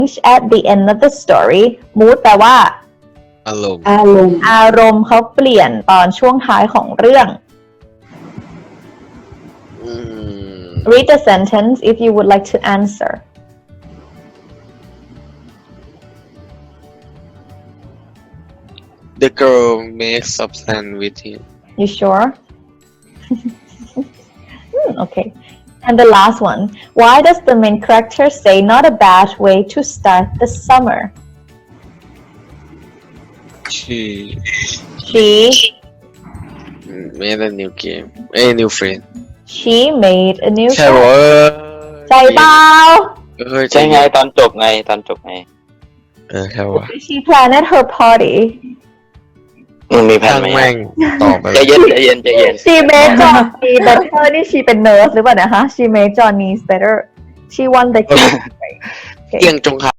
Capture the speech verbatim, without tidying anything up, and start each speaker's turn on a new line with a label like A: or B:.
A: at the end of the story mood แปลว่า
B: อารมณ์
C: อารมณ์
A: อารมณ์เขาเปลี่ยนตอนช่วงท้ายของเรื่อง
B: อืม
A: read the sentence if you would like to answer
B: The girl makes a plan with him
A: you sure hmm, okay and the last one why does the main character say not a bad way to start the summer
B: she
A: she
B: made a new game a new friend
A: she made a new
B: ใช่บอกว่า
A: ใจเปล่า
B: เฮ้ย
D: ใช่ไงตอนจบไงตอนจบไง
B: เออใช่ว่า
A: she planned her party
D: มันมีแผน
B: ช่าง
D: ไหม
B: แม่งตอบไป
D: ใจเย็นใจเย็นใจเย็น
A: she made Johnny better นี่ she เป็น nurse หรือเปล่านะคะ she made Johnny better she won the game
B: เกี่ยงจงค